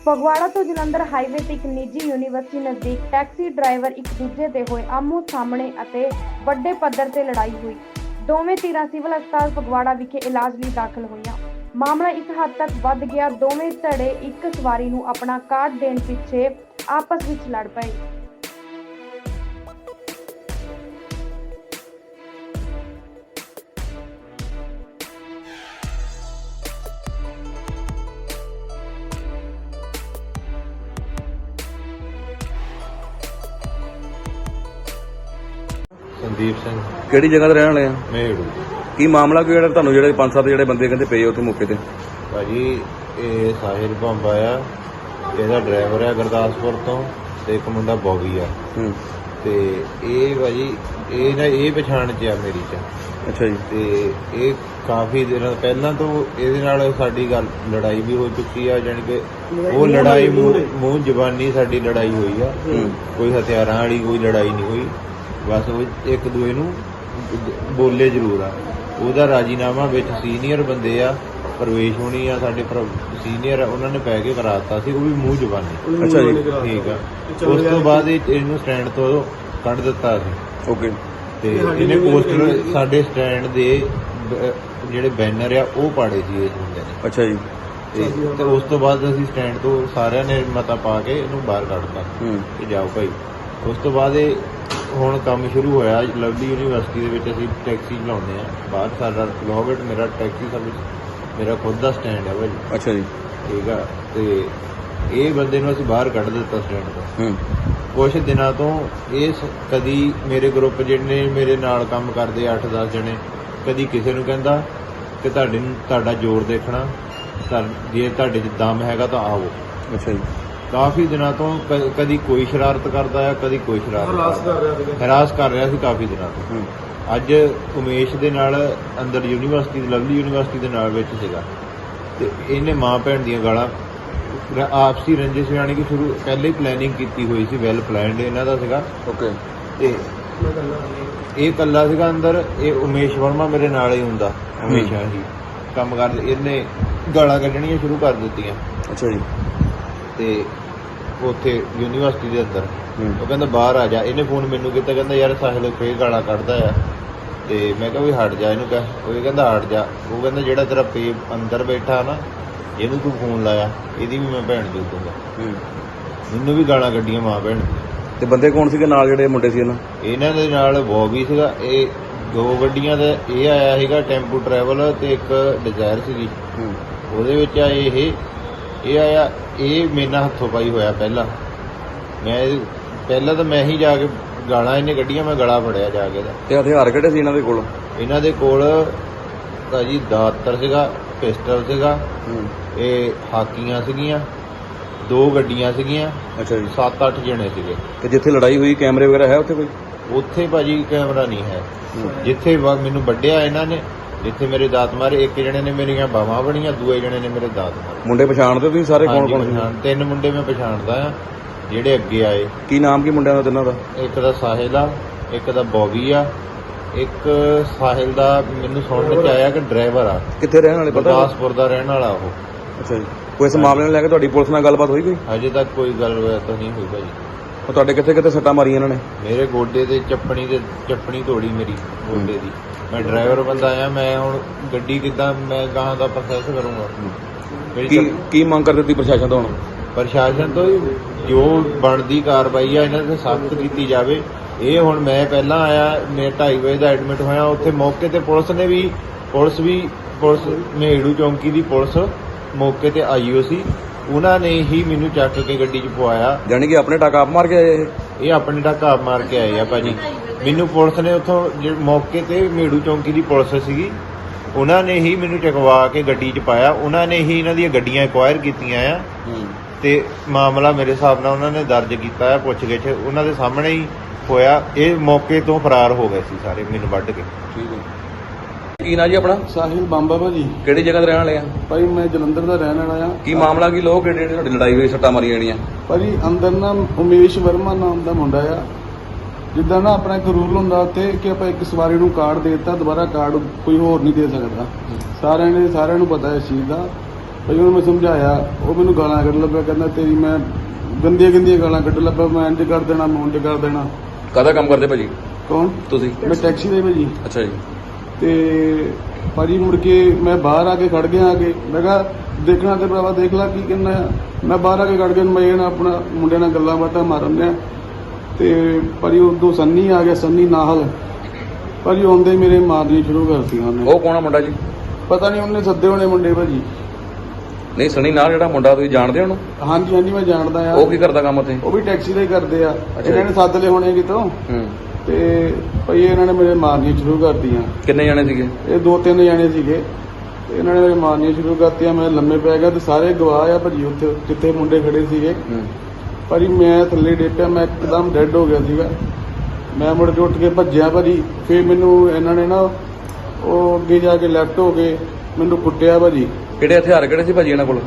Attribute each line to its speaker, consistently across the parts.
Speaker 1: ਫਗਵਾੜਾ ਤੋਂ ਜਲੰਧਰ ਹਾਈਵੇ ਤੇ ਇੱਕ ਨਿੱਜੀ ਯੂਨੀਵਰਸਿਟੀ ਨਜ਼ਦੀਕ ਟੈਕਸੀ ਡਰਾਈਵਰ ਇੱਕ ਦੂਜੇ ਦੇ ਹੋਏ ਆਮੋ ਸਾਹਮਣੇ ਅਤੇ ਵੱਡੇ ਪੱਧਰ ਤੇ ਲੜਾਈ ਹੋਈ। ਦੋਵੇਂ ਧਿਰਾਂ ਸਿਵਲ ਹਸਪਤਾਲ ਫਗਵਾੜਾ ਵਿਖੇ ਇਲਾਜ ਲਈ ਦਾਖਲ ਹੋਈਆਂ। ਮਾਮਲਾ ਇਸ ਹੱਦ ਤੱਕ ਵੱਧ ਗਿਆ, ਦੋਵੇਂ ਧੜੇ ਇੱਕ ਸਵਾਰੀ ਨੂੰ ਆਪਣਾ ਕਾਰਡ ਦੇਣ ਪਿੱਛੇ ਆਪਸ ਵਿੱਚ ਲੜ ਪਏ।
Speaker 2: संदीप सिंह
Speaker 3: ਕਿਹੜੀ ਜਗ੍ਹਾ ਤੇ ਰਹਿਣ ਵਾਲੇ ਆ?
Speaker 2: मेहड़ू
Speaker 3: ਕੀ ਮਾਮਲਾ ਕੋਈ ਜਿਹੜਾ ਤੁਹਾਨੂੰ ਜਿਹੜੇ 5-7 ਜਿਹੜੇ ਬੰਦੇ ਕਹਿੰਦੇ ਪਏ ਉੱਥੇ ਮੌਕੇ ਤੇ?
Speaker 2: भाजी ये साहिल भंबा आ, ਇਹਦਾ ਡਰਾਈਵਰ ਆ ਗੁਰਦਾਸਪੁਰ ਤੋਂ ਤੇ ਇੱਕ ਮੁੰਡਾ ਬੌਬੀ ਆ
Speaker 3: ਹੂੰ।
Speaker 2: ਤੇ ਇਹ ਭਾਜੀ ਇਹ ਪਛਾਣ ਚ ਆ ਮੇਰੀ ਚ।
Speaker 3: ਅੱਛਾ ਜੀ।
Speaker 2: ਤੇ ਇਹ ਕਾਫੀ ਦਿਨ ਪਹਿਲਾਂ ਤੋਂ ਇਹਦੇ ਨਾਲ ਸਾਡੀ ਗੱਲ ਲੜਾਈ ਵੀ ਹੋ ਚੁੱਕੀ ਆ, ਜਾਣੀ ਕਿ ਉਹ ਲੜਾਈ ਮੂੰਹ ਜ਼ਬਾਨੀ ਸਾਡੀ ਲੜਾਈ ਹੋਈ ਆ। ਕੋਈ ਹਥਿਆਰਾਂ ਵਾਲੀ ਕੋਈ ਲੜਾਈ ਨਹੀਂ ਹੋਈ, ਬਸ ਉਹ ਇੱਕ ਦੂਏ ਨੂੰ ਬੋਲੇ ਜ਼ਰੂਰ ਆ। ਉਹਦਾ ਰਾਜੀਨਾਮਾ ਵਿੱਚ ਸੀਨੀਅਰ ਬੰਦੇ ਆ, ਪ੍ਰਵੇਸ਼ ਹੋਣੀ ਆ ਸਾਡੇ ਸੀਨੀਅਰ, ਉਹਨਾਂ ਨੇ ਪੈ ਕੇ ਕਰਾਤਾ ਸੀ, ਉਹ ਵੀ ਮੂੰਹ ਜ਼ਬਾਨੀ।
Speaker 3: ਅੱਛਾ ਜੀ।
Speaker 2: ਠੀਕ ਆ। ਉਸ ਤੋਂ ਬਾਅਦ ਇਹਨੂੰ ਸਟੈਂਡ ਤੋਂ ਕੱਢ ਦਿੱਤਾ ਸੀ।
Speaker 3: ਓਕੇ।
Speaker 2: ਤੇ ਇਹਨੇ ਪੋਸਟਰ ਸਾਡੇ ਸਟੈਂਡ ਦੇ ਜਿਹੜੇ ਬੈਨਰ ਆ ਉਹ ਪਾੜੇ ਸੀ ਇਸ ਬੰਦੇ ਨੇ।
Speaker 3: ਅੱਛਾ ਜੀ।
Speaker 2: ਤੇ ਉਸ ਤੋਂ ਬਾਅਦ ਅਸੀਂ ਸਟੈਂਡ ਤੋਂ ਸਾਰਿਆਂ ਨੇ ਮਤਾ ਪਾ ਕੇ ਇਹਨੂੰ ਬਾਹਰ ਕੱਢਤਾ ਕਿ ਜਾਓ ਭਾਈ। ਉਸ ਤੋਂ ਬਾਅਦ ਇਹ ਹੁਣ ਕੰਮ ਸ਼ੁਰੂ ਹੋਇਆ ਲਵਲੀ ਯੂਨੀਵਰਸਿਟੀ ਦੇ ਵਿੱਚ। ਅਸੀਂ ਟੈਕਸੀ ਚਲਾਉਂਦੇ ਆ ਬਾਹਰ, ਸਾਡਾ ਲੋਗਟ ਮੇਰਾ ਟੈਕਸੀ ਸਰਵਿਸ ਮੇਰਾ ਖੁਦ ਦਾ ਸਟੈਂਡ ਹੈ ਭਾਜੀ।
Speaker 3: ਅੱਛਾ ਜੀ।
Speaker 2: ਠੀਕ ਆ। ਤੇ ਇਹ ਬੰਦੇ ਨੂੰ ਅਸੀਂ ਬਾਹਰ ਕੱਢ ਦਿੱਤਾ ਸਟੈਂਡ ਤੋਂ।
Speaker 3: ਹੂੰ।
Speaker 2: ਕੁਛ ਦਿਨਾਂ ਤੋਂ ਇਹ ਕਦੀ ਮੇਰੇ ਗਰੁੱਪ ਜਿਹੜੇ ਮੇਰੇ ਨਾਲ ਕੰਮ ਕਰਦੇ 8-10 ਜਣੇ, ਕਦੀ ਕਿਸੇ ਨੂੰ ਕਹਿੰਦਾ ਕਿ ਤੁਹਾਡਾ ਜ਼ੋਰ ਦੇਖਣਾ, ਜੇ ਤੁਹਾਡੇ 'ਚ ਦਮ ਹੈਗਾ ਤਾਂ ਆਓ।
Speaker 3: ਅੱਛਾ ਜੀ।
Speaker 2: ਕਾਫੀ ਦਿਨਾਂ ਤੋਂ ਕਦੀ ਕੋਈ ਸ਼ਰਾਰਤ ਕਰਦਾ ਆ, ਕਦੀ ਕੋਈ ਸ਼ਰਾਰਤ ਹਰਾਸ ਕਰ ਰਿਹਾ ਸੀ ਕਾਫੀ ਦਿਨਾਂ ਤੋਂ। ਅੱਜ ਉਮੇਸ਼ ਦੇ ਨਾਲ ਅੰਦਰ ਯੂਨੀਵਰਸਿਟੀ ਲਵਲੀ ਯੂਨੀਵਰਸਿਟੀ ਦੇ ਨਾਲ ਵਿੱਚ ਸੀਗਾ, ਤੇ ਇਹਨੇ ਮਾਂ ਭੈਣ ਦੀਆਂ ਗਾਲਾਂ ਆਪਸੀ ਰੰਜਿਸ਼ ਜਾਣੀ ਕਿ ਸ਼ੁਰੂ ਪਹਿਲੇ ਹੀ ਪਲੈਨਿੰਗ ਕੀਤੀ ਹੋਈ ਸੀ, ਵੈਲ ਪਲੈਨਡ ਇਹਨਾਂ ਦਾ ਸੀਗਾ।
Speaker 3: ਓਕੇ।
Speaker 2: ਤੇ ਇਹ ਇਕੱਲਾ ਸੀਗਾ ਅੰਦਰ। ਇਹ ਉਮੇਸ਼ ਵਰਮਾ ਮੇਰੇ ਨਾਲ ਹੀ ਹੁੰਦਾ ਹਮੇਸ਼ਾ ਹੀ ਕੰਮ ਕਰਦੇ। ਇਹਨੇ ਗਾਲਾਂ ਕੱਢਣੀਆਂ ਸ਼ੁਰੂ ਕਰ ਦਿੱਤੀਆਂ।
Speaker 3: ਅੱਛਾ ਜੀ।
Speaker 2: ਤੇ ਉੱਥੇ ਯੂਨੀਵਰਸਿਟੀ ਦੇ ਅੰਦਰ ਉਹ ਕਹਿੰਦਾ ਬਾਹਰ ਆ ਜਾ। ਇਹਨੇ ਫੋਨ ਮੈਨੂੰ ਕੀਤਾ, ਕਹਿੰਦਾ ਯਾਰ ਸਾਹਿਲ ਫੇਰ ਗਾਲਾਂ ਕੱਢਦਾ ਆ। ਤੇ ਮੈਂ ਕਿਹਾ ਵੀ ਹਟ ਜਾ ਇਹਨੂੰ ਕਹਿ। ਉਹ ਕਹਿੰਦਾ ਹਟ ਜਾ। ਉਹ ਕਹਿੰਦਾ ਜਿਹੜਾ ਤੇਰਾ ਪੇ ਅੰਦਰ ਬੈਠਾ ਨਾ, ਇਹਨੂੰ ਤੂੰ ਫੋਨ ਲਾਇਆ, ਇਹਦੀ ਵੀ ਮੈਂ ਭੈਣ ਦੇ ਦੂੰਗਾ। ਮੈਨੂੰ ਵੀ ਗਾਲਾਂ ਕੱਢੀਆਂ ਮਾਂ ਭੈਣ।
Speaker 3: ਤੇ ਬੰਦੇ ਕੌਣ ਸੀਗੇ ਨਾਲ ਜਿਹੜੇ ਮੁੰਡੇ ਸੀ
Speaker 2: ਇਹਨਾਂ ਦੇ ਨਾਲ ਬੌਬੀ ਸੀਗਾ। ਇਹ 2 ਗੱਡੀਆਂ ਦਾ ਇਹ ਆਇਆ ਸੀਗਾ, ਟੈਂਪੂ ਟਰੈਵਲ ਤੇ ਇੱਕ ਡਿਜ਼ਾਇਰ ਸੀਗੀ। ਉਹਦੇ ਵਿੱਚ ਆਏ ਇਹ ਆਇਆ। ਇਹ ਮੇਰੇ ਨਾਲ ਹੱਥੋਂ ਪਾਈ ਹੋਇਆ ਪਹਿਲਾਂ ਤਾਂ ਮੈਂ ਹੀ ਜਾ ਕੇ ਗਾਲਾਂ ਇਹਨੇ ਕੱਢੀਆਂ, ਮੈਂ ਗਲਾ ਫੜਿਆ ਜਾ ਕੇ ਦਾ।
Speaker 3: ਤੇ ਹਥਿਆਰ ਕਿਹੜੇ ਸੀ ਇਹਨਾਂ ਦੇ ਕੋਲ?
Speaker 2: ਇਹਨਾਂ ਦੇ ਕੋਲ ਭਾਜੀ ਦਾਤਰ ਸੀਗਾ, ਪਿਸਟਲ ਸੀਗਾ, ਇਹ ਹਾਕੀਆਂ ਸੀਗੀਆਂ, 2 ਗੱਡੀਆਂ ਸੀਗੀਆਂ।
Speaker 3: ਅੱਛਾ ਜੀ।
Speaker 2: 7-8 ਜਣੇ ਸੀਗੇ।
Speaker 3: ਤੇ ਜਿੱਥੇ ਲੜਾਈ ਹੋਈ ਕੈਮਰੇ ਵਗੈਰਾ ਹੈ ਉੱਥੇ ਕੋਈ?
Speaker 2: ਉੱਥੇ ਭਾਜੀ ਕੈਮਰਾ ਨਹੀਂ ਹੈ। ਜਿੱਥੇ ਮੈਨੂੰ ਵੱਢਿਆ ਇਹਨਾਂ ਨੇ, ਜਿੱਥੇ ਮੇਰੇ ਦਾਤ ਮਾਰੇ, ਇੱਕ ਜਣੇ ਨੇ ਮੇਰੀਆਂ ਬਾਹਾਂ ਬਣੀਆਂ, ਦੂਏ ਜਣੇ ਨੇ ਮੇਰੇ ਦਾਤ ਮਾਰੇ।
Speaker 3: ਮੁੰਡੇ ਪਛਾਣਦੇ ਤੁਸੀਂ ਸਾਰੇ ਕੌਣ ਕੌਣ ਸੀ?
Speaker 2: 3 ਮੁੰਡੇ ਮੈਂ ਪਛਾਣਦਾ ਆ ਜਿਹੜੇ ਅੱਗੇ ਆਏ।
Speaker 3: ਕੀ ਨਾਮ ਕੀ ਮੁੰਡਿਆਂ ਦਾ ਤਿੰਨਾਂ ਦਾ?
Speaker 2: ਇੱਕ ਦਾ ਸਾਹਿਲ ਆ, ਇੱਕ ਦਾ ਬੌਬੀ ਆ, ਇੱਕ ਸਾਹਿਲ ਦਾ ਮੈਨੂੰ ਸੁਣਨ ਚ ਆਇਆ ਕਿ ਡਰਾਈਵਰ ਆ।
Speaker 3: ਕਿੱਥੇ ਰਹਿਣ ਵਾਲੇ ਪਤਾ?
Speaker 2: ਗੁਰਦਾਸਪੁਰ ਦਾ ਰਹਿਣ ਵਾਲਾ ਉਹ।
Speaker 3: ਅੱਛਾ ਜੀ। ਕੋਈ ਇਸ ਮਾਮਲੇ ਨੂੰ ਲੈ ਕੇ ਤੁਹਾਡੀ ਪੁਲਿਸ ਨਾਲ ਗੱਲਬਾਤ ਹੋਈ ਕੋਈ?
Speaker 2: ਹਜੇ ਤੱਕ ਕੋਈ ਗੱਲ ਤਾਂ ਨਹੀਂ ਹੋਈ ਭਾਜੀ।
Speaker 3: ਉਹ ਤੁਹਾਡੇ ਕਿੱਥੇ ਸੱਟਾਂ ਮਾਰੀਆਂ ਇਹਨਾਂ ਨੇ? ਮੇਰੇ
Speaker 2: ਗੋਡੇ ਤੇ ਚੱਪਣੀ ਤੋੜੀ ਮੇਰੀ ਗੋਡੇ ਦੀ। ਮੈਂ ਡਰਾਈਵਰ ਬੰਦਾ ਆ, ਮੈਂ ਹੁਣ ਗੱਡੀ ਕਿੱਦਾਂ ਮੈਂ ਗਾਹਾਂ ਦਾ ਪ੍ਰੋਸੈਸ ਕਰੂੰਗਾ।
Speaker 3: ਕੀ ਮੰਗ ਕਰਦੇ ਤੁਸੀਂ ਪ੍ਰਸ਼ਾਸਨ ਤੋਂ? ਹੁਣ
Speaker 2: ਪ੍ਰਸ਼ਾਸਨ ਤੋਂ ਜੋ ਬਣਦੀ ਕਾਰਵਾਈ ਆ ਇਹਨਾਂ ਤੇ ਸਖਤ ਕੀਤੀ ਜਾਵੇ। ਇਹ ਹੁਣ ਮੈਂ ਪਹਿਲਾਂ ਆਇਆ, ਮੈਂ 2:30 ਵਜੇ ਦਾ ਐਡਮਿਟ ਹੋਇਆ। ਉੱਥੇ ਮੌਕੇ ਤੇ ਪੁਲਿਸ ਮੇਹੜੂ ਚੌਂਕੀ ਦੀ ਪੁਲਿਸ ਮੌਕੇ ਤੇ ਆਈ ਹੋ ਸੀ। ਉਹਨਾਂ ਨੇ ਹੀ ਮੈਨੂੰ ਚੱਕ ਕੇ ਗੱਡੀ 'ਚ ਪਵਾਇਆ।
Speaker 3: ਜਾਣੀ ਕਿ ਆਪਣੇ ਟਾਕਾ ਆਪ ਮਾਰ ਕੇ ਆਏ?
Speaker 2: ਇਹ ਆਪਣੇ ਟਾਕਾ ਆਪ ਮਾਰ ਕੇ ਆਏ ਆ ਭਾਜੀ। ਮੈਨੂੰ ਪੁਲਿਸ ਨੇ ਉੱਥੋਂ ਮੌਕੇ ਤੇ ਮੇਹੜੂ ਚੌਂਕੀ ਦੀ ਪੁਲਿਸ ਸੀਗੀ, ਉਹਨਾਂ ਨੇ ਹੀ ਮੈਨੂੰ ਚਕਵਾ ਕੇ ਗੱਡੀ 'ਚ ਪਾਇਆ। ਉਹਨਾਂ ਨੇ ਹੀ ਇਹਨਾਂ ਦੀਆਂ ਗੱਡੀਆਂ ਐਕਵਾਇਰ ਕੀਤੀਆਂ ਆ। ਤੇ ਮਾਮਲਾ ਮੇਰੇ ਹਿਸਾਬ ਨਾਲ ਉਹਨਾਂ ਨੇ ਦਰਜ ਕੀਤਾ ਆ। ਪੁੱਛਗਿੱਛ ਉਹਨਾਂ ਦੇ ਸਾਹਮਣੇ ਹੀ ਹੋਇਆ। ਇਹ ਮੌਕੇ ਤੋਂ ਫਰਾਰ ਹੋ ਗਏ ਸੀ ਸਾਰੇ, ਮੈਨੂੰ ਵੱਢ ਕੇ।
Speaker 3: ਠੀਕ ਹੈ। ਕੀ ਨਾਂ ਜੀ ਆਪਣਾ?
Speaker 4: ਸਾਹਿਲ ਬੰਬਾ ਭਾਜੀ।
Speaker 3: ਕਿਹੜੀ ਜਗ੍ਹਾ ਤੇ ਰਹਿਣ ਵਾਲੇ ਆ?
Speaker 4: ਭਾਈ ਮੈਂ ਜਲੰਧਰ ਦਾ ਰਹਿਣ ਵਾਲਾ ਆ।
Speaker 3: ਕੀ ਮਾਮਲਾ ਕੀ? ਲੋਕ ਕਿਹੜੇ ਤੁਹਾਡੀ ਲੜਾਈ ਹੋਈ, ਸੱਟਾਂ ਮਾਰੀਆਂ ਜਿਹੜੀਆਂ?
Speaker 4: ਭਾਜੀ ਅੰਦਰ ਨਾ ਉਮੇਸ਼ ਵਰਮਾ ਨਾਮ ਦਾ ਮੁੰਡਾ ਆ। ਜਿੱਦਾਂ ਨਾ ਆਪਣਾ ਇੱਕ ਰੂਲ ਹੁੰਦਾ ਉੱਥੇ ਕਿ ਆਪਾਂ ਇੱਕ ਸਵਾਰੀ ਨੂੰ ਕਾਰਡ ਦੇ ਦਿੱਤਾ, ਦੁਬਾਰਾ ਕਾਰਡ ਕੋਈ ਹੋਰ ਨਹੀਂ ਦੇ ਸਕਦਾ। ਸਾਰਿਆਂ ਨੂੰ ਪਤਾ ਇਸ ਚੀਜ਼ ਦਾ। ਭਾਈ ਉਹਨੂੰ ਮੈਂ ਸਮਝਾਇਆ, ਉਹ ਮੈਨੂੰ ਗਾਲਾਂ ਕੱਢ ਲੱਗਾ, ਕਹਿੰਦਾ ਤੇਰੀ ਮੈਂ ਗੰਦੀਆਂ ਗਾਲਾਂ ਕੱਢ ਲੱਗਾ, ਮੈਂ ਇੰਜ ਕਰ ਦੇਣਾ, ਮੈਂ ਉਂਝ ਕਰ ਦੇਣਾ।
Speaker 3: ਕਾਹਦਾ ਕੰਮ ਕਰਦੇ ਭਾਜੀ
Speaker 4: ਕੌਣ?
Speaker 3: ਤੁਸੀਂ?
Speaker 4: ਮੈਂ ਟੈਕਸੀ ਦੇ ਭਾਜੀ।
Speaker 3: ਅੱਛਾ ਜੀ।
Speaker 4: ਤੇ ਭਾਜੀ ਮੁੜ ਕੇ ਮੈਂ ਬਾਹਰ ਆ ਕੇ ਖੜ ਗਿਆ, ਆ ਕੇ ਮੈਂ ਕਿਹਾ ਦੇਖਣਾ ਤੇ ਭਰਾਵਾ ਦੇਖ ਲੈ ਕੀ ਕਹਿੰਦਾ ਆ। ਮੈਂ ਬਾਹਰ ਆ ਕੇ ਖੜ ਗਿਆ, ਮੈਂ ਇਹਨਾਂ ਆਪਣਾ ਮੁੰਡਿਆਂ ਨਾਲ ਗੱਲਾਂ ਬਾਤਾਂ ਮਾਰਨ ਡਿਆ ਤੇ ਭਾਜੀ ਉਦੋਂ ਸੰਨੀ ਆ ਗਿਆ, ਸੰਨੀ ਨਾਹਲ। ਭਾਜੀ ਆਉਂਦੇ ਹੀ ਮੇਰੇ ਮਾਰਨੀ ਸ਼ੁਰੂ ਕਰਤੀਆਂ ਉਹਨੇ।
Speaker 3: ਉਹ ਕੌਣ ਆ ਮੁੰਡਾ ਜੀ?
Speaker 4: ਪਤਾ ਨਹੀਂ ਉਹਨੇ ਸੱਦੇ ਹੋਣੇ ਮੁੰਡੇ ਭਾਜੀ।
Speaker 3: ਨਹੀਂ ਸਣੀ ਨਾਲ ਜਿਹੜਾ ਮੁੰਡਾ ਤੁਸੀਂ ਜਾਣਦੇ ਹੋ ਉਹਨੂੰ?
Speaker 4: ਹਾਂਜੀ ਹਾਂਜੀ ਮੈਂ ਜਾਣਦਾ ਆ।
Speaker 3: ਉਹ ਕੀ ਕਰਦਾ ਕੰਮ ਉੱਥੇ?
Speaker 4: ਉਹ ਵੀ ਟੈਕਸੀ ਦਾ ਹੀ ਕਰਦੇ ਆ।
Speaker 3: ਅੱਛਾ
Speaker 4: ਇਹਨਾਂ ਨੇ ਸੱਦ ਲਏ ਹੋਣੇ ਕਿਤੋਂ
Speaker 3: ਹੂੰ।
Speaker 4: ਤੇ ਭਾਈ ਇਹਨਾਂ ਨੇ ਮੇਰੇ ਮਾਰਨੀਆਂ ਸ਼ੁਰੂ ਕਰਤੀਆਂ।
Speaker 3: ਕਿੰਨੇ ਜਾਣੇ ਸੀਗੇ?
Speaker 4: ਇਹ 2-3 ਜਾਣੇ ਸੀਗੇ ਤੇ ਇਹਨਾਂ ਨੇ ਮੇਰੇ ਮਾਰਨੀਆਂ ਸ਼ੁਰੂ ਕਰਤੀਆਂ। ਮੈਂ ਲੰਮੇ ਪੈ ਗਿਆ ਤੇ ਸਾਰੇ ਗਵਾਹ ਆ ਭਾਜੀ ਉੱਥੇ ਜਿੱਥੇ ਮੁੰਡੇ ਖੜੇ ਸੀਗੇ।
Speaker 3: ਹੂੰ।
Speaker 4: ਭਾਜੀ ਮੈਂ ਥੱਲੇ ਡੇਪਿਆ, ਮੈਂ ਇੱਕਦਮ ਡੈੱਡ ਹੋ ਗਿਆ ਸੀਗਾ। ਮੈਂ ਮੁੜ ਕੇ ਉੱਠ ਕੇ ਭੱਜਿਆ ਭਾਜੀ। ਫਿਰ ਮੈਨੂੰ ਇਹਨਾਂ ਨੇ ਨਾ ਉਹ ਅੱਗੇ ਜਾ ਕੇ ਲੈਫਟ ਹੋ ਕੇ ਮੈਨੂੰ ਕੁੱਟਿਆ ਭਾਜੀ।
Speaker 3: ਕਿਹੜੇ ਹਥਿਆਰ ਕਿਹੜੇ ਸੀ ਭਾਜੀ ਇਹਨਾਂ ਕੋਲ?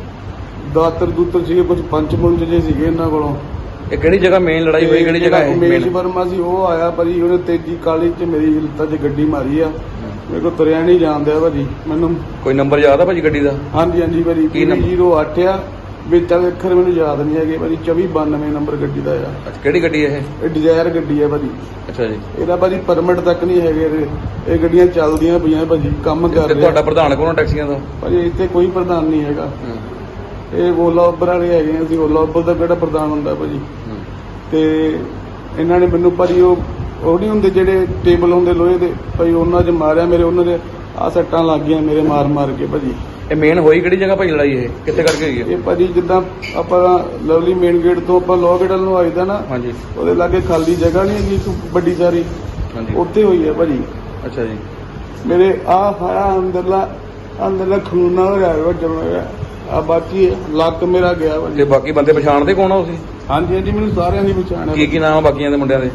Speaker 4: ਦਾਤਰ ਦੂਤਰ ਸੀਗੇ, ਕੁਝ ਪੰਚ ਪੁੰਚ ਜੇ ਸੀਗੇ ਇਹਨਾਂ ਕੋਲੋਂ।
Speaker 3: ਇਹ ਕਿਹੜੀ ਜਗ੍ਹਾ ਮੇਨ ਲੜਾਈ ਹੋਈ? ਕਿਹੜੀ ਜਗ੍ਹਾ ਹੈ
Speaker 4: ਉਮੇਸ਼
Speaker 3: ਮੇਨ?
Speaker 4: ਵਰਮਾ ਸੀ, ਉਹ ਆਇਆ ਭਾਜੀ। ਉਹਨੇ ਤੇਜੀ ਕਾਲੀ ਚ ਮੇਰੀ ਲੱਤਾਂ 'ਚ ਗੱਡੀ ਮਾਰੀ ਆ। ਮੇਰੇ ਕੋਲ ਤੁਰਿਆ ਨਹੀਂ ਜਾਂਦਿਆ ਭਾਜੀ ਮੈਨੂੰ।
Speaker 3: ਕੋਈ ਨੰਬਰ ਯਾਦ ਆ ਭਾਜੀ ਗੱਡੀ ਦਾ?
Speaker 4: ਹਾਂਜੀ ਹਾਂਜੀ ਭਾਜੀ।
Speaker 3: ਕੀ ਨੰਬਰ?
Speaker 4: 08 ਆ ਵਿੱਚ ਵਾਲੇ ਅੱਖਰ ਮੈਨੂੰ ਯਾਦ ਨਹੀਂ ਹੈਗੇ ਭਾਜੀ। 2492 ਨੰਬਰ ਗੱਡੀ ਦਾ ਆ।
Speaker 3: ਅੱਛਾ ਕਿਹੜੀ ਗੱਡੀ ਹੈ
Speaker 4: ਇਹ ਡਿਜ਼ਾਇਰ ਗੱਡੀ ਆ ਭਾਜੀ।
Speaker 3: ਅੱਛਾ ਜੀ।
Speaker 4: ਇਹਦਾ ਭਾਜੀ ਪਰਮਿਟ ਤੱਕ ਨਹੀਂ ਹੈਗੇ ਇਹਦੇ। ਇਹ ਗੱਡੀਆਂ ਚੱਲਦੀਆਂ ਪਈਆਂ ਭਾਜੀ, ਕੰਮ ਕਰ
Speaker 3: ਤੇ
Speaker 4: ਰਹੇ
Speaker 3: ਤੁਹਾਡਾ ਪ੍ਰਧਾਨ ਕੌਣ ਆ ਟੈਕਸੀਆਂ ਦਾ?
Speaker 4: ਭਾਜੀ ਇੱਥੇ ਕੋਈ ਪ੍ਰਧਾਨ ਨਹੀਂ ਹੈਗਾ।
Speaker 3: ਹੂੰ।
Speaker 4: ਇਹ ਓਲਾ ਉਬਰ ਵਾਲੇ ਹੈਗੇ ਆ। ਅਸੀਂ ਓਲਾ ਉਬਰ ਦਾ ਕਿਹੜਾ ਪ੍ਰਧਾਨ ਹੁੰਦਾ ਭਾਜੀ।
Speaker 3: ਹੂੰ।
Speaker 4: ਤੇ ਇਹਨਾਂ ਨੇ ਮੈਨੂੰ ਭਾਜੀ ਉਹ ਨਹੀਂ ਹੁੰਦੇ ਜਿਹੜੇ ਟੇਬਲ ਹੁੰਦੇ ਲੋਹੇ ਦੇ ਭਾਈ, ਉਹਨਾਂ 'ਚ ਮਾਰਿਆ ਮੇਰੇ। ਉਹਨਾਂ ਦੇ ਆਹ ਸੱਟਾਂ ਲੱਗ ਗਈਆਂ ਮੇਰੇ ਮਾਰ ਕੇ ਭਾਜੀ।
Speaker 3: ਇਹ ਮੇਨ ਹੋਈ ਕਿਹੜੀ ਜਗ੍ਹਾ ਭਾਜੀ ਲੜਾਈ? ਇਹ ਕਿੱਥੇ ਕਰਕੇ ਹੋਈ ਹੈ?
Speaker 4: ਇਹ ਭਾਜੀ ਜਿੱਦਾਂ ਆਪਾਂ ਲਵਲੀ ਮੇਨ ਗੇਟ ਤੋਂ ਆਪਾਂ ਲੋਅ ਗੇਟ ਨੂੰ ਆਈਦਾ ਨਾ,
Speaker 3: ਹਾਂਜੀ
Speaker 4: ਉਹਦੇ ਲਾਗੇ ਖਾਲੀ ਜਗ੍ਹਾ ਨਹੀਂ ਹੈਗੀ ਇੱਕ ਵੱਡੀ ਸਾਰੀ,
Speaker 3: ਹਾਂਜੀ।
Speaker 4: ਉੱਥੇ ਹੋਈ ਹੈ ਭਾਜੀ।
Speaker 3: ਅੱਛਾ ਜੀ।
Speaker 4: ਮੇਰੇ ਆਹ ਖਾਇਆ ਅੰਦਰਲਾ ਖੂਨਾ ਹੋ ਰਿਹਾ ਵੱਜਣ ਹੋਇਆ ਆ। ਬਾਕੀ ਲੱਕ ਮੇਰਾ ਗਿਆ
Speaker 3: ਤੇ
Speaker 4: ਭਾਜੀ।
Speaker 3: ਬਾਕੀ ਬੰਦੇ ਪਛਾਣਦੇ ਕੌਣ ਆ ਤੁਸੀਂ?
Speaker 4: ਹਾਂਜੀ ਹਾਂਜੀ ਮੈਨੂੰ ਸਾਰਿਆਂ ਦੀ ਪਛਾਣ
Speaker 3: ਕੀ
Speaker 4: ਹੈ।
Speaker 3: ਕੀ ਨਾਮ ਆ ਬਾਕੀਆਂ ਦੇ ਮੁੰਡਿਆਂ ਦੇ?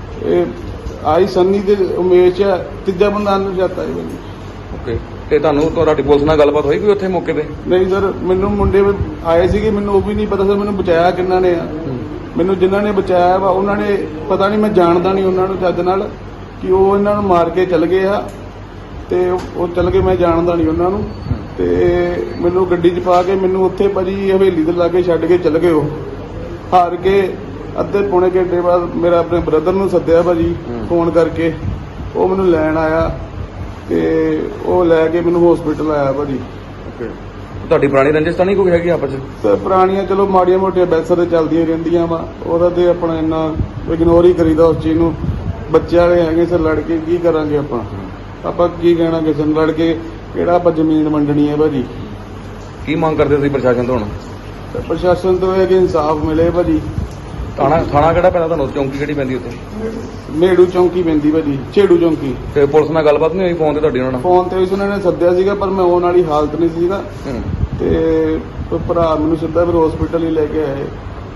Speaker 4: ਇਹ ਆਈ ਸੰਨੀ ਤੇ ਉਮੇਸ਼ ਹੈ, ਤੀਜਾ ਬੰਦਾ ਨੂੰ ਜਾਤਾ ਹੈ ਭਾਜੀ।
Speaker 3: ਓਕੇ। ਤੇ ਤੁਹਾਨੂੰ ਤੁਹਾਡੀ ਪੁਲਿਸ ਨਾਲ ਗੱਲਬਾਤ ਹੋਈ ਕੋਈ ਉੱਥੇ ਮੌਕੇ ਤੇ?
Speaker 4: ਨਹੀਂ ਸਰ, ਮੈਨੂੰ ਮੁੰਡੇ ਆਏ ਸੀਗੇ, ਮੈਨੂੰ ਉਹ ਵੀ ਨਹੀਂ ਪਤਾ ਸਰ ਮੈਨੂੰ ਬਚਾਇਆ ਕਿੰਨਾ ਨੇ ਆ। ਮੈਨੂੰ ਜਿਨ੍ਹਾਂ ਨੇ ਬਚਾਇਆ ਵਾ ਉਹਨਾਂ ਨੇ ਪਤਾ ਨਹੀਂ, ਮੈਂ ਜਾਣਦਾ ਨਹੀਂ ਉਹਨਾਂ ਨੂੰ ਚੱਜ ਨਾਲ ਕਿ ਉਹ ਇਹਨਾਂ ਨੂੰ ਮਾਰ ਕੇ ਚੱਲ ਗਏ ਆ ਤੇ ਉਹ ਚੱਲ ਗਏ, ਮੈਂ ਜਾਣਦਾ ਨਹੀਂ ਉਹਨਾਂ ਨੂੰ। ਤੇ ਮੈਨੂੰ ਗੱਡੀ 'ਚ ਪਾ ਕੇ ਮੈਨੂੰ ਉੱਥੇ ਭਾਜੀ ਹਵੇਲੀ ਦੇ ਲਾਗੇ ਛੱਡ ਕੇ ਚੱਲ ਗਏ। ਉਹ ਹਾਰ ਕੇ ਅੱਧੇ ਪੌਣੇ ਘੰਟੇ ਬਾਅਦ ਮੇਰਾ ਆਪਣੇ ਬ੍ਰਦਰ ਨੂੰ ਸੱਦਿਆ ਭਾਜੀ ਫੋਨ ਕਰਕੇ। ਉਹ ਮੈਨੂੰ ਲੈਣ ਆਇਆ ਤੇ ਉਹ ਲੈ ਕੇ ਮੈਨੂੰ ਹਸਪੀਟਲ ਆਇਆ ਭਾਜੀ।
Speaker 3: ਓਕੇ। ਤੁਹਾਡੀ ਪੁਰਾਣੀ ਰੰਜਿਸ਼ ਤਾਂ ਨਹੀਂ ਕੋਈ ਹੈਗੀ ਆਪਸ 'ਚ?
Speaker 4: ਤੇ ਪੁਰਾਣੀਆਂ ਚਲੋ ਮਾੜੀਆਂ ਮੋਟੀਆਂ ਬੈਂਸਾਂ ਤੇ ਚੱਲਦੀਆਂ ਰਹਿੰਦੀਆਂ ਵਾ, ਉਹਦਾ ਤੇ ਆਪਣਾ ਇੰਨਾ ਇਗਨੋਰ ਹੀ ਕਰੀਦਾ ਉਸ ਚੀਜ਼ ਨੂੰ। ਬੱਚੇ ਵਾਲੇ ਹੈਗੇ ਸਰ, ਲੜ ਕੇ ਕੀ ਕਰਾਂਗੇ ਆਪਾਂ ਕੀ ਕਹਿਣਾ ਕਿਸੇ ਨੂੰ? ਲੜ ਕੇ ਕਿਹੜਾ ਆਪਾਂ ਜ਼ਮੀਨ ਵੰਡਣੀ ਹੈ ਭਾਜੀ।
Speaker 3: ਕੀ ਮੰਗ ਕਰਦੇ ਤੁਸੀਂ ਪ੍ਰਸ਼ਾਸਨ ਤੋਂ ਹੁਣ?
Speaker 4: ਤੇ ਪ੍ਰਸ਼ਾਸਨ ਤੋਂ ਇਹ ਕਿ ਇਨਸਾਫ ਮਿਲੇ ਭਾਜੀ।
Speaker 3: ਥਾਣਾ ਕਿਹੜਾ ਪੈਂਦਾ ਤੁਹਾਨੂੰ? ਚੌਂਕੀ ਕਿਹੜੀ ਪੈਂਦੀ ਉੱਥੇ?
Speaker 4: ਮੇੜੂ ਚੌਂਕੀ ਪੈਂਦੀ ਭਾਜੀ, ਛੇੜੂ ਚੌਂਕੀ।
Speaker 3: ਤੇ ਪੁਲਿਸ ਨਾਲ ਗੱਲਬਾਤ ਨਹੀਂ ਹੋਈ ਫੋਨ ਤੇ ਤੁਹਾਡੀ ਉਹਨਾਂ ਨਾਲ?
Speaker 4: ਫੋਨ ਤੇ ਵੀ ਉਹਨਾਂ ਨੇ ਸੱਦਿਆ ਸੀਗਾ ਪਰ ਮੈਂ ਆਉਣ ਵਾਲੀ ਹਾਲਤ ਨਹੀਂ ਸੀਗਾ।
Speaker 3: ਹੂੰ।
Speaker 4: ਤੇ ਉਹ ਭਰਾ ਮੈਨੂੰ ਸਿੱਧਾ ਫਿਰ ਹਸਪੀਟਲ ਹੀ ਲੈ ਕੇ ਆਏ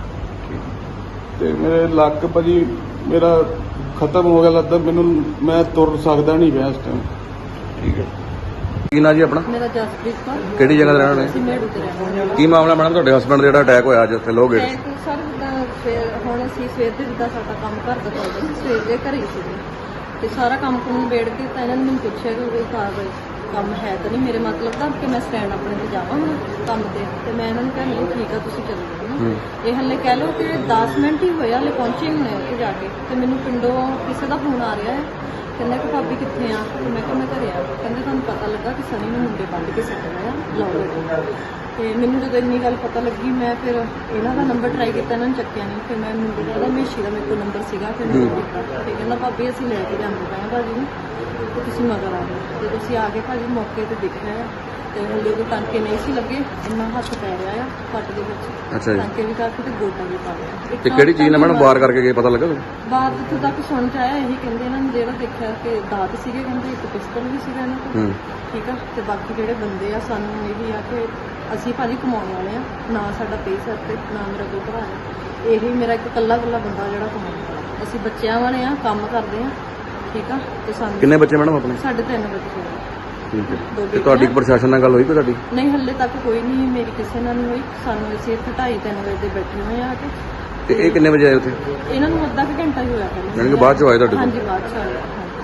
Speaker 4: ਤੇ ਮੇਰੇ ਲੱਕ ਭਾਜੀ ਮੇਰਾ ਖਤਮ ਹੋ ਗਿਆ ਲੱਗਦਾ ਮੈਨੂੰ। ਮੈਂ ਤੁਰ ਸਕਦਾ ਨਹੀਂ ਪਿਆ ਇਸ ਟਾਈਮ।
Speaker 3: ਠੀਕ ਹੈ। ਕੀ ਨਾਂ ਜੀ ਆਪਣਾ?
Speaker 5: ਮੇਰਾ ਜਸਪ੍ਰੀਤ ਕੌਰ।
Speaker 3: ਕਿਹੜੀ ਜਗ੍ਹਾ ਤੇ ਰਹਿਣਾ
Speaker 5: ਅਸੀਂ
Speaker 3: ਨੇ?
Speaker 5: ਮੇੜੂ ਤੇ ਰਹਿੰਦੇ ਹਾਂ।
Speaker 3: ਕੀ ਮਾਮਲਾ ਮੈਡਮ ਤੁਹਾਡੇ ਹਸਬੰਡ ਦਾ ਜਿਹੜਾ ਅਟੈਕ ਹੋਇਆ ਅੱਜ ਉੱਥੇ ਲੋਅ ਗੇਟ?
Speaker 5: ਸਰ ਜਿੱਦਾਂ ਹੁਣ ਅਸੀਂ ਸਵੇਰ ਦੇ ਜਿੱਦਾਂ ਸਾਡਾ ਕੰਮ ਘਰ ਦਾ ਚੱਲਦਾ ਸੀ, ਸਵੇਰ ਦੇ ਘਰੇ ਹੀ ਸੀਗੇ ਤੇ ਸਾਰਾ ਕੰਮ ਕੁਮ ਨਿਬੇੜ ਕੇ ਤਾਂ ਇਹਨਾਂ ਨੇ ਮੈਨੂੰ ਪੁੱਛਿਆ ਕਿ ਕੋਈ ਕਾਰਵਾਈ ਕੰਮ ਹੈ ਤਾਂ ਨਹੀਂ ਮੇਰੇ ਮਤਲਬ ਦਾ ਕਿ ਮੈਂ ਸਟੈਂਡ ਆਪਣੇ ਤੇ ਜਾਵਾਂ ਹੁਣ ਕੰਮ ਤੇ ਮੈਂ ਇਹਨਾਂ ਨੂੰ ਕਿਹਾ ਨਹੀਂ ਠੀਕ ਆ ਤੁਸੀਂ ਚੱਲੋ ਨਾ। ਇਹ ਹਲੇ ਕਹਿ ਲਓ ਕਿ 10 ਮਿੰਟ ਹੀ ਹੋਏ ਹਲੇ ਪਹੁੰਚੇ ਹੀ ਹੋਣੇ ਉੱਥੇ ਜਾ ਕੇ ਤੇ ਮੈਨੂੰ ਪਿੰਡੋਂ ਕਿਸੇ ਦਾ ਫੋਨ ਆ ਰਿਹਾ ਹੈ, ਕਹਿੰਦਾ ਕਿ ਭਾਬੀ ਕਿੱਥੇ ਆ? ਤੇ ਮੈਂ ਕਿਹਾ ਮੈਂ ਘਰੇ ਆ। ਕਹਿੰਦੇ ਤੁਹਾਨੂੰ ਪਤਾ ਲੱਗਾ ਕਿ ਸਨੀ ਨੂੰ ਮੁੰਡੇ ਬੰਦ ਕੇ ਸੱਟਿਆ ਆ ਲਾਉ। ਤੇ ਮੈਨੂੰ ਜਦੋਂ ਇੰਨੀ ਗੱਲ ਪਤਾ ਲੱਗੀ ਮੈਂ ਫਿਰ ਇਹਨਾਂ ਦਾ ਨੰਬਰ ਟਰਾਈ ਕੀਤਾ, ਇਹਨਾਂ ਨੂੰ ਚੱਕਿਆ ਨਹੀਂ। ਫਿਰ ਮੈਂ ਮੁੰਡੇ ਦਾ ਮੇਸ਼ੀ ਦਾ ਮੇਰੇ ਕੋਲ ਨੰਬਰ ਸੀਗਾ, ਫਿਰ ਮੈਂ ਕੀਤਾ ਤੇ ਕਹਿੰਦਾ ਭਾਬੀ ਅਸੀਂ ਲੈ ਕੇ ਜਾਂਦੇ ਪਏ ਭਾਜੀ ਨੂੰ ਤੇ ਤੁਸੀਂ ਮਗਰ ਆ ਗਏ। ਤੇ ਤੁਸੀਂ ਆ ਕੇ ਭਾਜੀ ਮੌਕੇ ਤੇ ਦੇਖਿਆ ਆ ਤੇ ਹਲੇ ਕੋਈ ਟਾਂਕੇ ਨਹੀਂ ਸੀ ਲੱਗੇ, ਇੰਨਾ ਹੱਥ ਪੈ ਰਿਹਾ ਆ ਪੱਟ ਦੇ ਵਿੱਚ।
Speaker 3: ਅੱਛਾ ਜੀ।
Speaker 5: ਟਾਂਕੇ ਵੀ ਕਰਕੇ ਤੇ ਗੋਡਾ ਵੀ ਪਾ ਲਿਆ।
Speaker 3: ਤੇ ਕਿਹੜੀ ਚੀਜ਼ ਨਾਲ ਮੈਡਮ ਵਾਰ ਕਰਕੇ ਗਏ ਪਤਾ ਲੱਗਾ?
Speaker 5: ਬਾਤ ਇੱਥੋਂ ਤੱਕ ਸੁਣ ਚ ਆਇਆ ਇਹੀ ਕਹਿੰਦੇ ਇਹਨਾਂ ਨੇ ਜਿਹੜਾ ਦੇਖਿਆ ਕਿ ਦਾਤ ਸੀਗੇ, ਕਹਿੰਦੇ ਇੱਕ ਪਿਸਤਲ ਵੀ ਸੀਗਾ ਇਹਨਾਂ ਕੋਲ। ਠੀਕ ਆ। ਤੇ ਬਾਕੀ ਜਿਹੜੇ ਬੰਦੇ ਆ ਸਾਨੂੰ ਇਹੀ ਆ ਕਿ ਅਸੀਂ ਭਾਜੀ ਕਮਾਉਣ ਵਾਲੇ ਆ, ਨਾ ਸਾਡਾ ਪੇਸਰ ਤੇ ਨਾ ਮੇਰਾ ਕੋਈ ਭਰਾ ਹੈ। ਇਹੀ ਮੇਰਾ ਇੱਕ ਇਕੱਲਾ ਬੰਦਾ ਜਿਹੜਾ ਕਮਾਉਣ ਵਾਲਾ। ਅਸੀਂ ਬੱਚਿਆਂ ਵਾਲੇ ਆ, ਕੰਮ ਕਰਦੇ ਆ। ਠੀਕ ਆ। ਤੇ ਸਾਨੂੰ
Speaker 3: ਕਿੰਨੇ ਬੱਚੇ ਮੈਡਮ ਆਪਣੇ?
Speaker 5: ਸਾਡੇ 3 ਬੱਚੇ ਆ।
Speaker 3: ਠੀਕ ਹੈ।
Speaker 5: ਦੋ
Speaker 3: ਤੇ ਤੁਹਾਡੀ
Speaker 5: ਬੇਟੀਆਂ।
Speaker 3: ਪ੍ਰਸ਼ਾਸਨ ਨਾਲ ਗੱਲ ਹੋਈ ਕੋਈ ਤੁਹਾਡੀ?
Speaker 5: ਨਹੀਂ ਹੱਲੇ ਤੱਕ ਕੋਈ ਨਹੀਂ ਮੇਰੀ ਕਿਸੇ ਨਾਲ ਨਹੀਂ ਹੋਈ। ਸਾਨੂੰ ਅਸੀਂ ਇੱਥੇ 2:30-3 ਵਜੇ ਦੇ ਬੈਠੇ ਹੋਏ ਆ ਕੇ।
Speaker 3: ਤੇ ਇਹ ਕਿੰਨੇ ਵਜੇ ਆਏ ਉੱਥੇ?
Speaker 5: ਇਹਨਾਂ ਨੂੰ ਅੱਧਾ ਕੁ ਘੰਟਾ ਹੀ ਹੋਇਆ ਪਹਿਲਾਂ।
Speaker 3: ਯਾਨੀ ਕਿ ਬਾਅਦ 'ਚ ਆਏ ਤੁਹਾਡੇ ਕੋਲ?
Speaker 5: ਹਾਂਜੀ ਬਾਅਦ 'ਚ ਆਏ। ਹਾਂਜੀ।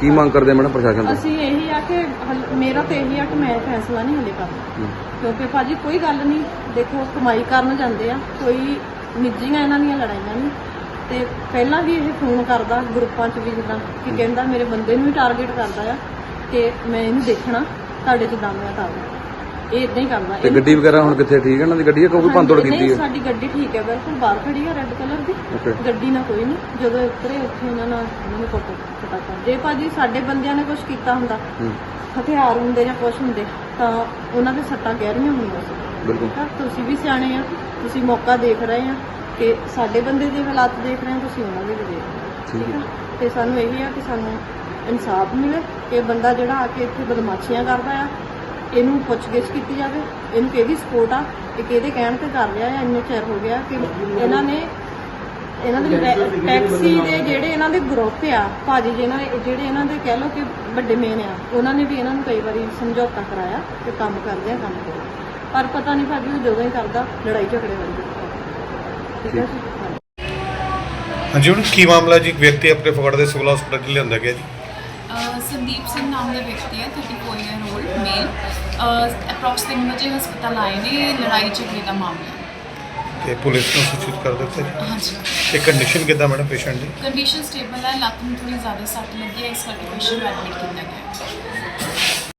Speaker 3: ਕੀ ਮੰਗ ਕਰਦੇ ਆ ਮੈਡਮ ਪ੍ਰਸ਼ਾਸਨ ਤੋਂ?
Speaker 5: ਅਸੀਂ ਇਹੀ ਆ ਕਿ ਮੇਰਾ ਤਾਂ ਇਹੀ ਆ ਕਿ ਮੈਂ ਫੈਸਲਾ ਨਹੀਂ ਹਲੇ ਕਰਨਾ, ਕਿਉਂਕਿ ਭਾਜੀ ਕੋਈ ਗੱਲ ਨਹੀਂ, ਦੇਖੋ ਕਮਾਈ ਕਰਨ ਜਾਂਦੇ ਆ, ਕੋਈ ਨਿੱਜੀਆਂ ਇਹਨਾਂ ਦੀਆਂ ਲੜਾਈਆਂ ਨਹੀਂ। ਤੇ ਪਹਿਲਾਂ ਵੀ ਇਹ ਫੋਨ ਕਰਦਾ ਗਰੁੱਪਾਂ 'ਚ ਵੀ, ਜਿੱਦਾਂ ਕਿ ਕਹਿੰਦਾ ਮੇਰੇ ਬੰਦੇ ਨੂੰ ਵੀ ਟਾਰਗੇਟ ਕਰਦਾ ਆ ਕਿ ਮੈਂ ਇਹਨੂੰ ਦੇਖਣਾ, ਤੁਹਾਡੇ 'ਚ ਦਮ ਆ ਤਾਂ ਇਹ ਇਦਾਂ ਹੀ ਕਰਦਾ।
Speaker 3: ਤੇ ਗੱਡੀ ਵਗੈਰਾ ਹੁਣ ਕਿੱਥੇ ਠੀਕ ਹੈ ਇਹਨਾਂ ਦੀ ਗੱਡੀ, ਕੋਈ ਭੰਨਤੋੜ ਕੀਤੀ
Speaker 5: ਨਹੀਂ,
Speaker 3: ਹੈ?
Speaker 5: ਸਾਡੀ ਗੱਡੀ ਠੀਕ ਹੈ, ਬਿਲਕੁਲ ਬਾਹਰ ਖੜੀ ਹੈ ਰੈੱਡ ਕਲਰ ਦੀ
Speaker 3: Okay.
Speaker 5: ਗੱਡੀ ਨਾਲ ਕੋਈ ਨਹੀਂ। ਜਦੋਂ ਉਤਰੇ ਉੱਥੇ ਇਹਨਾਂ ਨਾਲ ਉਹਨਾਂ ਨੂੰ ਪਤਾ ਜੇ ਭਾਜੀ ਸਾਡੇ ਬੰਦਿਆਂ ਨੇ ਕੁਝ ਕੀਤਾ ਹੁੰਦਾ, ਹਥਿਆਰ ਹੁੰਦੇ ਜਾਂ ਕੁਝ ਹੁੰਦੇ, ਤਾਂ ਉਹਨਾਂ ਦੇ ਸੱਟਾਂ ਗਹਿਰੀਆਂ ਹੋਣੀਆਂ ਸੀ।
Speaker 3: ਬਿਲਕੁਲ।
Speaker 5: ਤਾਂ ਤੁਸੀਂ ਵੀ ਸਿਆਣੇ ਆ, ਤੁਸੀਂ ਮੌਕਾ ਦੇਖ ਰਹੇ ਆ ਕਿ ਸਾਡੇ ਬੰਦੇ ਦੇ ਹਾਲਾਤ ਦੇਖ ਰਹੇ ਆ, ਤੁਸੀਂ ਉਹਨਾਂ ਦੇ ਵੀ ਦੇਖ ਰਹੇ ਹੋ, ਠੀਕ ਹੈ। ਤੇ ਸਾਨੂੰ ਇਹੀ ਆ ਕਿ ਸਾਨੂੰ ਇਨਸਾਫ ਮਿਲੇ ਕਿ ਬੰਦਾ ਜਿਹੜਾ ਆ ਕੇ ਇੱਥੇ ਬਦਮਾਸ਼ੀਆਂ ਕਰਦਾ ਆ, ਇਹਨੂੰ ਪੁੱਛਗਿੱਛ ਕੀਤੀ ਜਾਵੇ, ਇਹਨੂੰ ਕਿਹਦੀ ਸਪੋਰਟ ਆ, ਇਹ ਕਿਹਦੇ ਕਹਿਣ ਤੇ ਕਰ ਰਿਹਾ ਆ। ਇੰਨੇ ਚਿਰ ਹੋ ਗਿਆ ਕਿ ਇਹਨਾਂ ਦੇ ਟੈਕਸੀ ਦੇ ਜਿਹੜੇ ਇਹਨਾਂ ਦੇ ਗਰੁੱਪ ਆ ਭਾਜੀ, ਜਿਹੜੇ ਇਹਨਾਂ ਦੇ ਕਹਿ ਲਓ ਕਿ ਵੱਡੇ ਮੇਨ ਆ, ਉਹਨਾਂ ਨੇ ਵੀ ਇਹਨਾਂ ਨੂੰ ਕਈ ਵਾਰੀ ਸਮਝੌਤਾ ਕਰਾਇਆ ਕਿ ਕੰਮ ਕਰਦੇ ਆ, ਕੰਮ ਕਰੋ, ਪਰ ਪਤਾ ਨਹੀਂ ਭਾਜੀ ਉਹ ਜਦੋਂ ਹੀ ਕਰਦਾ ਲੜਾਈ ਝਗੜੇ ਵਾਲੀ ਠੀਕ ਹੈ ਜੀ।
Speaker 6: ਹਾਂਜੀ, ਹੁਣ ਕੀ ਮਾਮਲਾ ਜੀ? ਇੱਕ ਵਿਅਕਤੀ ਆਪਣੇ ਫਗਵਾੜਾ ਦੇ ਸਿਵਲ ਹਸਪਤਾਲ 'ਚ ਲਿਆਂਦਾ ਗਿਆ ਜੀ।
Speaker 7: ਸੰਦੀਪ ਸਿੰਘ ਨਾਮ ਦਾ ਵਿਅਕਤੀ ਹੈ, 34 ਈਅਰ ਓਲਡ ਮੇਲ। ਅਪਰੋਕਸ 3 ਵਜੇ ਹਸਪਤਾਲ ਆਏ ਨੇ, ਲੜਾਈ ਝਗੜੇ ਦਾ ਮਾਮਲਾ।
Speaker 6: ਤੇ ਪੁਲਿਸ ਨੂੰ ਸੂਚਿਤ ਕਰ ਦਿੱਤਾ ਜੀ।
Speaker 7: ਹਾਂਜੀ,
Speaker 6: ਤੇ ਕੰਡੀਸ਼ਨ ਕਿੱਦਾਂ ਮੈਡਮ ਪੇਸ਼ੈਂਟ ਦੀ?
Speaker 7: ਕੰਡੀਸ਼ਨ ਸਟੇਬਲ ਹੈ, ਲੱਤ ਨੂੰ ਥੋੜੀ ਜ਼ਿਆਦਾ ਸੱਟ ਲੱਗੀ ਹੈ, ਇਸ ਕਰਕੇ ਪੇਸ਼ੈਂਟ ਨੂੰ ਐਡਮਿਟ ਕੀਤਾ ਗਿਆ ਹੈ।